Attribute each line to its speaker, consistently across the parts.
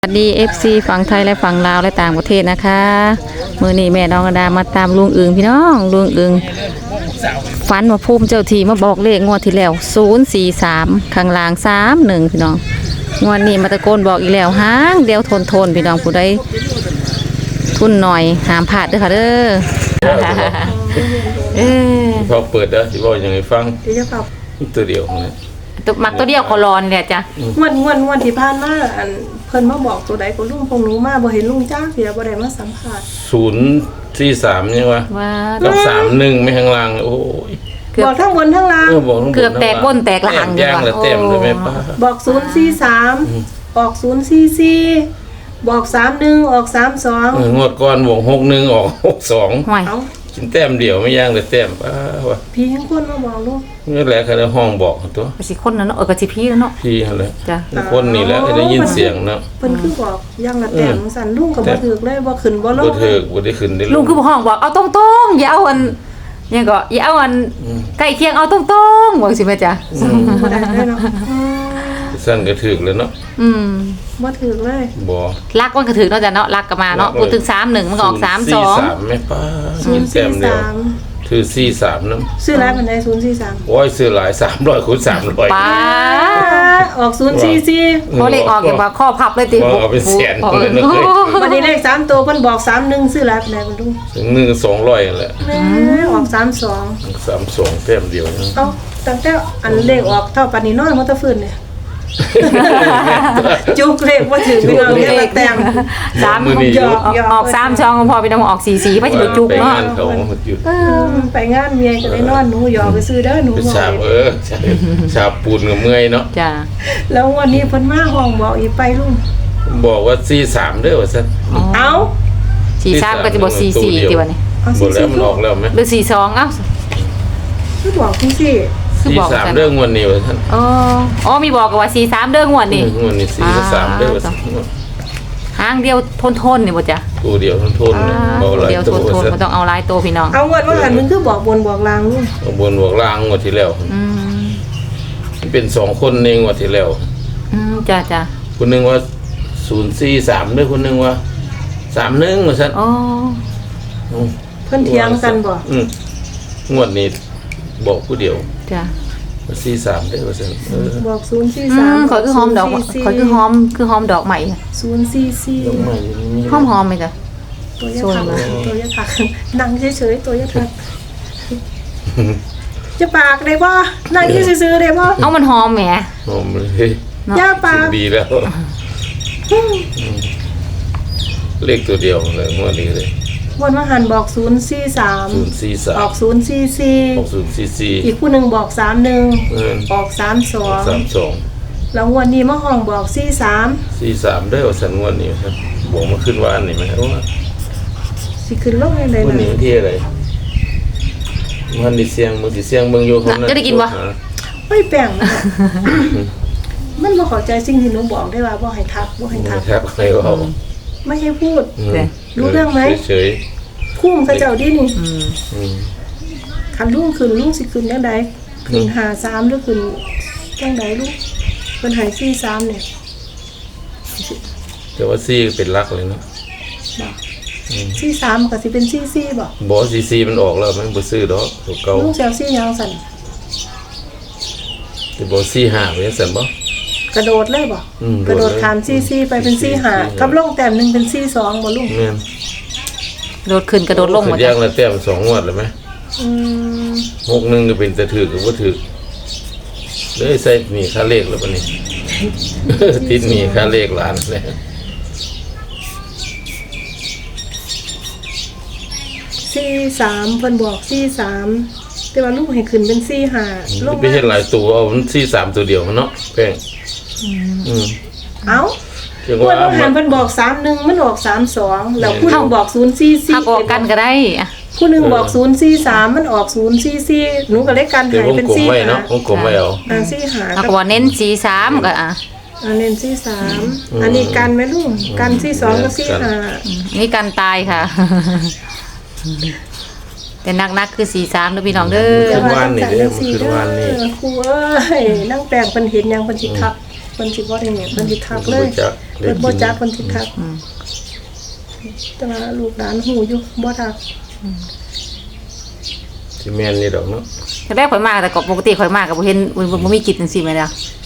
Speaker 1: สวัสดี FC ฝั่งไทยและฝั่งลาวและต่างประเทศนะคะมื้อนี้แม่น้องกระดามาตามลุงอึงพี่น้องลุงอึงฝันว่าภูมิเจ้าที่มาบอกเลขงวดที่แล้ว043ข้างล่าง31พี่น้องงวดนี้มาตะโกนบอกอีกแล้วหางเดียวทนพี่น้องผู้ใดทุนหน่อยห้ามพลาดเด้อค่ะเด้อ
Speaker 2: พอเปิดแล้วสิบอกยังไงฟัง
Speaker 3: เดี๋ยวจะปรับ
Speaker 2: ตัวเดียวของเนี่ย
Speaker 1: ตัวมักตัวเดียวขอรอนเนี่ยจ้ะ
Speaker 3: งวดที่ผ่านมาอันเพิ่นมาบอกตัวใดก็ลุงพงหนูมาบ่เห็นลุงจ้าเสียบ่ได้มาสัมภาษณ์
Speaker 2: 043ยังวะ
Speaker 1: ว่า
Speaker 2: กับ31ไม่ข้างล่างโอ้ย
Speaker 3: บอกทั้งบนทั้งล่าง
Speaker 2: บอกทั้งหมด
Speaker 1: เกือบแตกบนแตกหลัง
Speaker 2: ย่างแล้วเต็มเลยแม่ป้า
Speaker 3: บอก043ออก044บอก31ออก32
Speaker 2: งวดก่อนบอก61ออก62
Speaker 1: ห่วย
Speaker 3: เอ้า
Speaker 2: กินแต้มเดียวไม่ย่างเลยแต้มป้าวะ
Speaker 3: พี่ยังคนมาบอกลูก
Speaker 2: นี่แหละคือห้องบอกตัว
Speaker 1: ก็สิคนนั้นเนาะก็สิพี่แล้วเนาะ
Speaker 2: พี่เขาเลย
Speaker 1: จ้ะ
Speaker 2: คนนี่แหละได้ยินเสียงเนาะ
Speaker 3: เพิ่นคือบอกอย่างละแต่งสั่นลุงก็บ่ถูกเลยบ่ขึ้นบ่ล
Speaker 2: บ่
Speaker 3: ง
Speaker 2: เถิกบ่ได้ขึ้นได้
Speaker 1: ลุงคือห้องบอกเอาตรงๆอย่าเอาอันยังก็อย่าเอาอันใกล้เคียงเอาตรงๆบอกสิแม่จ้ะ
Speaker 3: บ่ได้เลยเนาะ
Speaker 2: สั้นก็ถึกแล้วเนาะ
Speaker 3: บ่ถูกเลย
Speaker 2: บ่
Speaker 1: รักมันก็ถึงเนาะจ้ะเนาะรักก็มาเนาะพูดถึง31มันก็ออก32
Speaker 2: แม่ป้ากินแต้มเดียว
Speaker 3: 043
Speaker 2: ถือ43นำ
Speaker 3: ซื้อหลายปานใด043
Speaker 2: โอ้ยซื้อหลาย300คูณ300
Speaker 1: ป้า
Speaker 3: ออก044
Speaker 1: พอเลขออกอย่างว่าข้อพับเลยติ
Speaker 2: ว่าเอาเป็นแสนเลยนะเคย
Speaker 3: วันนี้เลข3ตัวเพิ่นบอก31ซื้อหลายปานใดบ่รู้
Speaker 2: ถึง1 200นั่นแหละ
Speaker 3: แม่ออก32
Speaker 2: 32แต้มเดียวนะ
Speaker 3: เอ้าตั้งแต่อันเลขออกเท่าปานนี้นอนมาแตะฟื้นเนี่ยจุกเลขบ่ถึงพี่น้องเลขแต่ง
Speaker 1: 3
Speaker 2: มื้อนี้
Speaker 3: หยอก
Speaker 1: ออก3ช่องพอไปนำออก44ไปสิจุก
Speaker 2: ไป
Speaker 1: เนาะ
Speaker 2: งานเขาหยุด
Speaker 3: ไปงานเมียก็ได้นอนหนูหยอกไปซื้อเด้อหนู
Speaker 2: เป็น
Speaker 3: บอก
Speaker 2: ชาบชาบปูนกับเมื่อยเนาะ
Speaker 1: จ้ะ
Speaker 3: แล้ววันนี้เพิ่นมาห้องบอกอีกไปลุง
Speaker 2: บอกว่า43เด้อว่าซั่น
Speaker 3: เอ้า
Speaker 1: 43ก็จะบ่44ติว่านี่
Speaker 3: เอา
Speaker 2: บ่แล้วมันออกแล้วไหม
Speaker 1: หรือ42เอ้า
Speaker 3: คือบอกจังซี่
Speaker 1: คือบอกกัน
Speaker 2: 43เรื่องวันนี้ว่าซั่น
Speaker 1: อ๋อมีบอกกันว่า43เด้องวดนี่
Speaker 2: วันนี้43เด้อว่าซั่น
Speaker 1: หางเดียวทนนี่บ่จ้ะ
Speaker 2: ตัวเดียวทนๆบ่หลาย
Speaker 1: เดียว
Speaker 2: ตัว
Speaker 1: ทน
Speaker 2: ว่าซั่น
Speaker 1: บ่ต้องเอาหลายตัวพี่น้อง
Speaker 3: เอางวดว่าหันมึงคือบอกบนบอกลางลุง
Speaker 2: เอาบนบอกล่างงวดที่แล้ว เป็น2คนในงวดที่แล้ว
Speaker 1: จ้ะ
Speaker 2: คนหนึงว่า043เด้อคนหนึงว่า31ว่าซั่น
Speaker 1: อ๋อ
Speaker 3: เพิ่นเถียงกันบ่
Speaker 2: งวดนี้บอกผู้เดียว
Speaker 1: จ้ะ
Speaker 2: 43ได้ว่าซั่น
Speaker 3: บอก043
Speaker 1: ขอคือหอมดอกขอคือหอมดอกใหม่
Speaker 3: 044
Speaker 2: ต้องมาอยู่นี่
Speaker 1: หอมไหมจ้ะ
Speaker 3: ตัวยะถักตัวยะถักนั่งเฉยๆตัวยะถักจะปากได้บ่นั่งซื่อๆได้บ่
Speaker 1: เอามันหอมแหม
Speaker 2: หอมเลย
Speaker 3: ย่าปาก
Speaker 2: ดีแล้วเลขตัวเดียวเลยงวดนี้เลย
Speaker 3: วันมาหันบอก043
Speaker 2: 043
Speaker 3: ออก044
Speaker 2: 6044
Speaker 3: อีกผู้หนึงบอก31ออก 32
Speaker 2: 32
Speaker 3: แล้ววันนี้มาห้องบอก43
Speaker 2: 43ได้ว่าซั่นงวดนี้ครับบอกมาขึ้นว่าอันนี้มั้ยว่า
Speaker 3: สิขึ้นลงให้เลย
Speaker 2: วันนี้
Speaker 3: นะ
Speaker 2: ที่อะไรวันนี้เสียงมึงสิเสียงเบิ่งอยู่คนนั้น
Speaker 1: จะได้กินบ่
Speaker 3: ไม่แปลงนะมันบ่เข้าใจสิ่งที่หนูบอกได้ว่าบ่ให้ทักบ่ให้ทัก
Speaker 2: ครับใครว่า
Speaker 3: ไม่ให้พูด
Speaker 1: เด้
Speaker 3: รู้เรื่องไหม
Speaker 2: เฉย
Speaker 3: คุ้มเขาเจ้าดินี่
Speaker 2: ๆ
Speaker 3: คันลุงขึ้นลุงสิขึ้นจังไดขึ้น53หรือขึ้นจังไดลูกเพิ่นให้43เนี่ย
Speaker 2: แต่ว่าซี่เป็นรักเลยเนาะ
Speaker 3: 43ก็สิเป็น44บ่
Speaker 2: บอสซีมันออกแล้วมันบ่ซื้อดอกตัวเก่า
Speaker 3: ลุงแซวซี่ยังสั่น
Speaker 2: แต่บอสซี่หาไว้ซั่นบ่
Speaker 3: กระโดดเลยบ่
Speaker 2: โดดเลย
Speaker 3: กระโดดขาม44ไปเป็น45กับลงแต้มหนึงเป็น42บ่ลุง
Speaker 2: แม่น
Speaker 1: โดดขึ้นกระโดดลงหมด
Speaker 2: แยกแล้วแต้ม2งวดเลยมั้ย
Speaker 3: อืม
Speaker 2: 61ก็เป็นแต่ถือก็บ่ถือเลยใส่หนี่ค่าเลขแล้วบัดนี้ ติดหนี่ค่าเลขหลานแล้ว
Speaker 3: 43เพิ่นบอก43แต่ว่าลูกให้ขึ้นเป็น45ลง
Speaker 2: ไปเฮ็ดหลายตัวเอามัน43ตัวเดียวเนาะแป้ง
Speaker 3: เอ้า
Speaker 2: จัง
Speaker 3: เพิ่
Speaker 2: ว่าน
Speaker 3: ว่าหันเพิ่นบอก31มันออก32แล้วผู้หนึงบอก
Speaker 1: ถ้าออกกันก็ได้อะ
Speaker 3: 044ผู้หนึงบอก043มันออก044หนูก็เลยกัน
Speaker 2: แต่
Speaker 3: หายว
Speaker 2: ง
Speaker 3: เป็น
Speaker 2: กลมไว้เนาะวงกลมไว้เอา
Speaker 3: 45
Speaker 1: ถ้าก็ว่าเน้น43ก็อ่ะ
Speaker 3: เน้น43อันนี้กันไหมลุงกัน42กับ45
Speaker 1: นี่กันตายค่ะ แต่นักคือ43เด้อพี่น้องเด้อ
Speaker 2: ขึ้นวานนี่เด้อมันขึ้นวานนี่
Speaker 3: ครูเอ้ยนั่งแปลงเพิ่นเห็นยังเพิ่นสิทักพิ่นสิบ่ได้เนี่ยเพิ่นสิทักเลย
Speaker 2: เพิ่นบ่จัก
Speaker 3: เพิ่นบ่จักเพิ่นสิทักแต่ว่าลูกหลานฮู้อยู่บ่ทัก
Speaker 2: สิแม่นนี่ดอกเนาะ
Speaker 1: แต่แรกข่อยมาแต่ก็ปกติข่อยมาก็บ่เห็นบ่มีกิจจังซี่แม่นเด้อ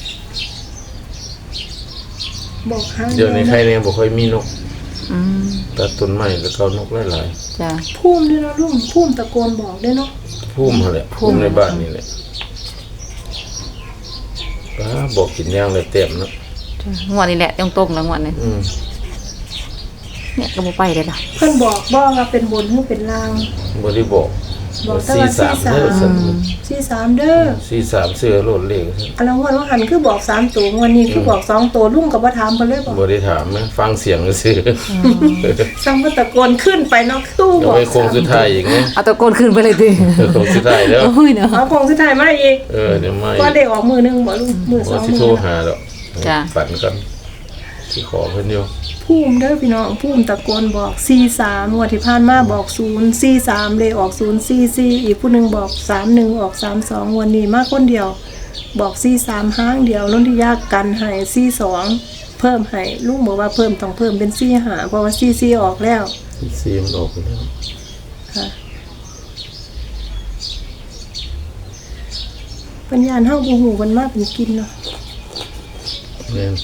Speaker 3: บอกหา
Speaker 2: เดี๋ยวนี้ใครเนี่ยบ่ค่อยมีนก
Speaker 1: อืม
Speaker 2: ตัดต้นไม้แล้วก็เอานกหลาย
Speaker 1: จ้ะ
Speaker 3: ภูมิด้วยเนาะลุงภูมิตะโกนบอกด้วยเนาะ
Speaker 2: ๆพุ่มหั่นแหละพุ่มในบ้านนี่แหละป้าบอกกินย่างเลยเต็มเนาะ
Speaker 1: จ้ะงวดนี้แหละต้องตรงแล้วงวดนี้
Speaker 2: อืม
Speaker 1: เนี่ยก็บ่ไปเลยล่ะ
Speaker 3: เพิ่นบอกว่าเป็นบนหรือเป็นล่าง
Speaker 2: บ่ได้บอก
Speaker 3: บอกแต่ว่า
Speaker 2: 43เด้อซั่น
Speaker 3: 43เด้อ
Speaker 2: 43เสื้อโลดเลขซั่น
Speaker 3: อันละงวดว่าหันคือบอก3ตัวงวดนี้คือบอก2ตัวลุงก็บ่ถามเพิ่นเลยบอก
Speaker 2: บ่ได้ถามนะฟังเสียงซื่อ
Speaker 3: ซังเพิ่นตะโกนขึ้นไปเนาะตู้
Speaker 2: เดี๋
Speaker 3: บ
Speaker 2: ยว
Speaker 3: อก
Speaker 2: ไปโค้งสุดท้ายอีกไง
Speaker 1: เอาตะโกนขึ้นไปเลยติ
Speaker 2: โค้งสุดท้ายแล้ว
Speaker 1: โอ้ยเนาะ
Speaker 3: เอาของสุดท้ายมาอีก
Speaker 2: เดี๋ยวไม่
Speaker 3: ก็ได้ออกมือนึงบ่ลุงมือส
Speaker 2: บ่
Speaker 3: อง
Speaker 2: สิ
Speaker 3: มื
Speaker 2: โทร
Speaker 3: อ
Speaker 2: หาดอก
Speaker 1: จ้ะ
Speaker 2: ฝันกันสิขอเพิ่นอยู่
Speaker 3: ภูมิเด้อพี่น้องภูมิตะโกนบอก43งวดที่ผ่านมาบอก043เลยออก044อีกผู้หนึงบอก31ออก32งวดนี้มาคนเดียว บอก43ห้างเดียวนนทิยากันให้42เพิ่มให้ลุงบอกว่าเพิ่มต้องเพิ่มเป็น45เพราะว่า44ออกแล้ว
Speaker 2: ซีมันออกไปแล้ว
Speaker 3: ค่ะปัญญาเฮาบ่ฮู้มันมาเป็นกินเนาะ
Speaker 2: แม่น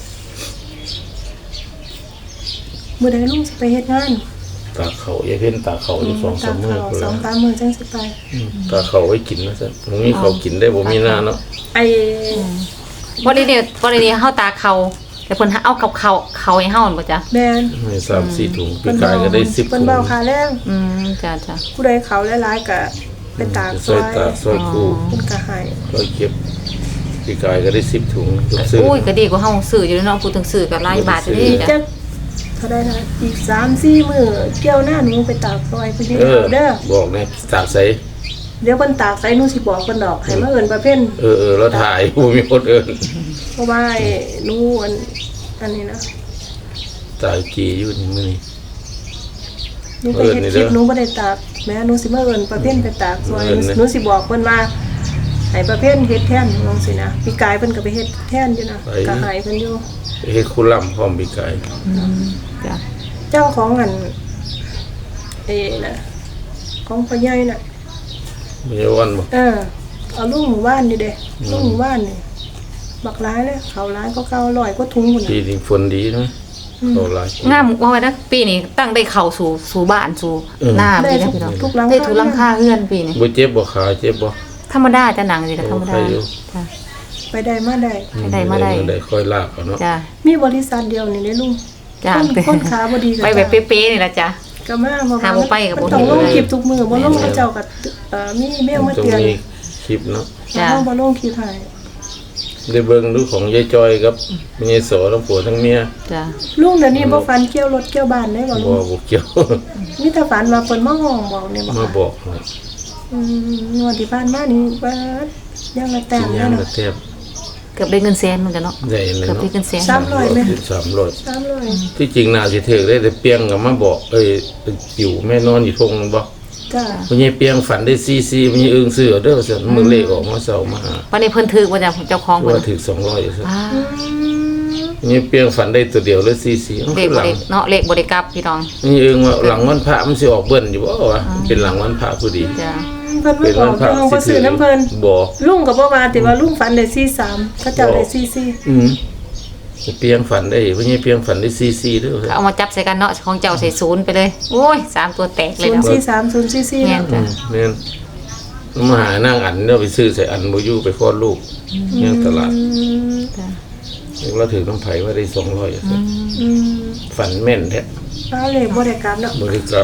Speaker 3: มื้อใดลุงสิไปเฮ็ดงาน
Speaker 2: ตาเขาอย่าเพิ่นตาเขาอยู่2-3มื้อพุ่น
Speaker 3: ส
Speaker 2: แล้
Speaker 3: อ
Speaker 2: ว
Speaker 3: งสามมื้อจังสิไป
Speaker 2: ตาเขาไว้กินนะซั่นบ่มีเขากินได้บ่มีหน้าเนาะ
Speaker 3: ไอ้
Speaker 1: บ่ได้เนี่ยเฮาตาเขาแต่เพิ่นเอากับเขาให้เฮาบ่จ้ะ
Speaker 3: แม่น
Speaker 2: ให้3-4ถุงปีกายก็ได้10
Speaker 3: เพิ่
Speaker 2: ถุ
Speaker 3: น
Speaker 2: ง
Speaker 3: เบาค่าแรง
Speaker 1: จ้ะจ้ะ
Speaker 3: ผู้ใดเขาหลายๆก็ไปตากซ
Speaker 2: ซอ
Speaker 3: อย ย
Speaker 2: ตาซอยคู่
Speaker 3: เพิ่นก็ให้
Speaker 2: ซอยเก็บปีกายก็ได้10ถุงทุกซื้อ
Speaker 1: อุ้ยก็ดีกว่าเฮาซื้ออยู่เนาะพูดถึงซื้อก็หลายบาทอยู่
Speaker 3: อี
Speaker 1: นี่
Speaker 3: ก
Speaker 1: จ้ะ
Speaker 3: จักเท่าใดนะอีก 3-4 มื้อเกี่ยวหน้าหนูไปตากซอยเพิ่นสิเอาเด้อ
Speaker 2: บอกแน่ตากใส่
Speaker 3: เดี๋ยวเพิ่นตากใส่หนูสิบอกเพิ่นดอกให้มาเอิ้นประเภท
Speaker 2: แล้วถ่ายบ่มีคนเอิ้น
Speaker 3: เพราะว่าไอ้หนูอันนี้นะ
Speaker 2: ตายกี่อยู่นี่มื้อนี้
Speaker 3: หนูไปเฮ็ดคลิปหนูบ่ได้ตากแม่หนูสิมาเอิ้นประเภทไปตากซอยหนูสิบอกเพิ่นว่าให้ประเภทเฮ็ดแทนลองสินะปีกายเพิ่นก็ไปเฮ็ดแทนอยู่นะก็ให้เพิ่นอยู่
Speaker 2: เฮ็ดคุล่ำพร้อมปีกาย
Speaker 1: จ้ะ
Speaker 3: เจ้าของอันน่ะของพ่อใหญ่น่ะ
Speaker 2: บ่ได้วันบ่
Speaker 3: เอาลูกหมู่บ้านนี่เด้ลูกหมู่บ้านนี่บักหลายเลยเขาหลายก็เก่าร้อยก็ถุงพุ่น
Speaker 2: ปี
Speaker 3: น่ะ
Speaker 2: นี้ฝนดีนะเขาหลาย
Speaker 1: งามว่าไว้นะปีนี้ตั้งได้เข้าสู่บ้านสู่หน้า
Speaker 3: ได้
Speaker 1: พี่นะพี่น้อง
Speaker 3: ทุกหลัง
Speaker 1: ได้ทุกหลังคาเฮือนปีนี้
Speaker 2: บ่เจ็บบ่ขาเจ็บบ่
Speaker 1: ธรรมดาจ้ะหนังสิก็ธรรมดา
Speaker 2: โอ้ใครอยู่
Speaker 1: จ้ะ
Speaker 3: ไปได้มาได้
Speaker 1: มาได้
Speaker 2: ได้ค่อยลากเอาเนาะ
Speaker 1: จ้ะ
Speaker 3: มีบริษัทเดียวนี่เด้ลุง
Speaker 1: จ้ะ
Speaker 3: คนขาบ่ดี
Speaker 1: ไปแบบเป๊ะๆนี่ล่ะจ้ะ
Speaker 3: ก็มาบ่
Speaker 1: หาบ่ไปก็บ่
Speaker 3: มันต้อง
Speaker 1: เห็น
Speaker 3: ลง
Speaker 1: เลย
Speaker 3: คลิปทุกมื้อบ่ลงเขาเจ้าก็มีแมวมา
Speaker 2: ตรง
Speaker 3: เตือน
Speaker 2: นี้คลิปเนาะ
Speaker 1: จ้ะ
Speaker 3: เฮาบ่ลงคลิปให้
Speaker 2: ได้เบิ่งดูของยายจอยกับยายโสทั้งผัวทั้งเมีย
Speaker 1: จ้ะ
Speaker 3: ลุงเดี๋ยวนี้บ่ฟันเกี่ยวรถเกี่ยวบ้านได้บ่ลุ
Speaker 2: บ่
Speaker 3: ง
Speaker 2: บ่เกี่ยว
Speaker 3: มีแต่ฝันว่าเพิ่นมาห้องบอกนี่บ่
Speaker 2: มา
Speaker 3: ค่ะ
Speaker 2: บอกให้
Speaker 3: งวดที่ผ่านมานี่ว่ายังละแต้
Speaker 2: สิ
Speaker 3: ม
Speaker 2: ยา
Speaker 3: แล้
Speaker 2: ม
Speaker 3: ว
Speaker 2: กระ
Speaker 3: เนาะ
Speaker 2: แทบ
Speaker 1: เกือบได้เงินแสนเหมือนกันเนาะ
Speaker 2: ได้เลย
Speaker 1: เกือบ
Speaker 2: เนาะ
Speaker 1: ได้เงินแสน
Speaker 3: 300ไหม
Speaker 2: 300
Speaker 3: 300
Speaker 2: ที่จริงน่าสิถึกได้แต่เปียงก็มาบอกอยู่แม่นอนอยู่ทงนึงบ่
Speaker 3: จ้า
Speaker 2: พ่อใหญ่เปียงฝันได้ซีพ่อใหญ่อึ้งซื้อเอาเด้อซั่นมื้อเลขออกมาเช้ามาหา
Speaker 1: วันนี้เพิ่นถือว่าเจ้าของเพิ่น
Speaker 2: ว่าถึก200ซั่น
Speaker 1: ว้า
Speaker 2: พ่อใหญ่เปียงฝันได้ตัวเดียวเลยซี
Speaker 1: เลขบ่ได้เนาะเลขบ่ได้กลับพี่น้อง
Speaker 2: นี่เองว่าหลังวันพระมันสิออกเบิ่นอยู่บ่วะเป็นหลังวันพระพอดี
Speaker 1: จ้ะ
Speaker 3: เพิ่น
Speaker 2: เป็
Speaker 3: มาน บอ
Speaker 2: วั
Speaker 3: ก
Speaker 2: นพระ
Speaker 3: เรื่องบ่ซื้อน้ำเพิ่น
Speaker 2: บ่
Speaker 3: ลุงก็บ่ว่าแต่ว่าลุงฝันได้43เขาเจ้าได้44
Speaker 2: เปียงฝันได้พ่อใหญ่เปียงฝันได้ซีเด้อ
Speaker 1: ก็เอามาจับใส่กันเนาะของเจ้าใส่ศูนย์ไปเลยโอ้ย3ตัวแตกเลยเนาะ
Speaker 3: 043 044
Speaker 1: แม่นจ้ะ
Speaker 2: แม่นมาหานั่งอันเนาะไปซื้อใส่อันบ่อยู่ไปคลอดลูกยังตลาด
Speaker 1: จ้ะ
Speaker 2: เราถือน้ำไผว่าได้200ซั่นฝันแม่นแท้
Speaker 3: เลยบ่ได้กลับเนาะ
Speaker 2: บ่ได้กลับ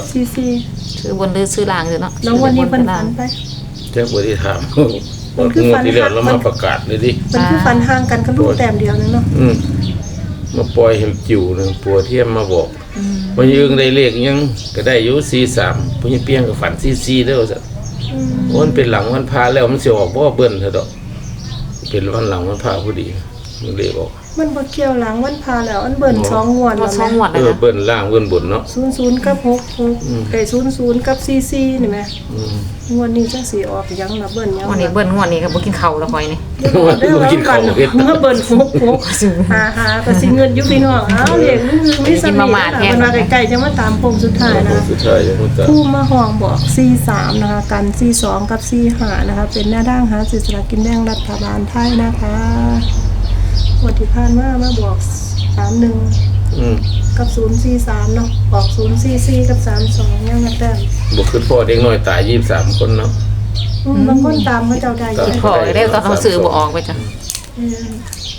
Speaker 3: 44
Speaker 1: ซื้อบนหรือซื้อล่างอยู่เนาะ
Speaker 3: น้องวันนี้เพิ่นฝันไป
Speaker 2: แท้บ่ได้ถาม
Speaker 3: มันคือฝัน
Speaker 2: ที่แล้วเรามาประกาศเลยดิ
Speaker 3: เพิ่นคือฝันห่างกันกับลูกแต้มเดียวนึงเนาะ
Speaker 2: มาปล่อยให้จิ๋วหนึงปัวเทียมมาบอกว่ายืงได้เลขยังก็ได้อยู่43พุ่นเปียงก็ฝัน44เด้อซั่นโอ้มันเป็นหลังวันพระแล้วมันสิออกบ่เบิ่นเถอะดอกเป็นวันหลังวันพระพอดีมันเลขออก
Speaker 3: มันบ่เกี่ยวหลังวันพาแล้วอันเบิ่น2งวด
Speaker 1: ร
Speaker 3: แล้
Speaker 1: ถ
Speaker 3: ว
Speaker 1: สอง
Speaker 3: แม่
Speaker 1: หวดเลยนะ
Speaker 2: เบิ้นล่างเบิ้นบนเนาะ
Speaker 3: 00กับ6600กับ44นี่แหม
Speaker 2: อืม
Speaker 3: งวดนี้จังสิออกหยังล่ะเบิ่นหยัง
Speaker 1: งวดนี้เบิ้ลงวดนี้ก็บ่กินข้าวแล้วคอยนี่
Speaker 3: เด้อว่ากันเมื่อเบิ่น66หาก็สิเงินอยู่พี่น้องอ้าวเลขมันมีสำนีมันมาใกล้ๆจะมาตามโค้งสุดท้ายนะ
Speaker 2: สุดท้ายยังบ่ตาย
Speaker 3: ผู้มาห้องบอก43นะคะกัน42กับ45นะคะเป็นหน้าด่างหาสิสลากกินแบ่งรัฐบาลไทยนะคะวันที่ผ่านมาบอก31
Speaker 2: อืม
Speaker 3: กับ043เนาะออก044กับ32ยังมาแต้ม
Speaker 2: บ่คือพ่อเด็กน้อยตาย23คนเนาะ
Speaker 3: บางคนตามเขาเจ้าได้อยู่
Speaker 1: พอได้ตอนเขาซื้อบ่ออกไปจ้ะ
Speaker 3: เออ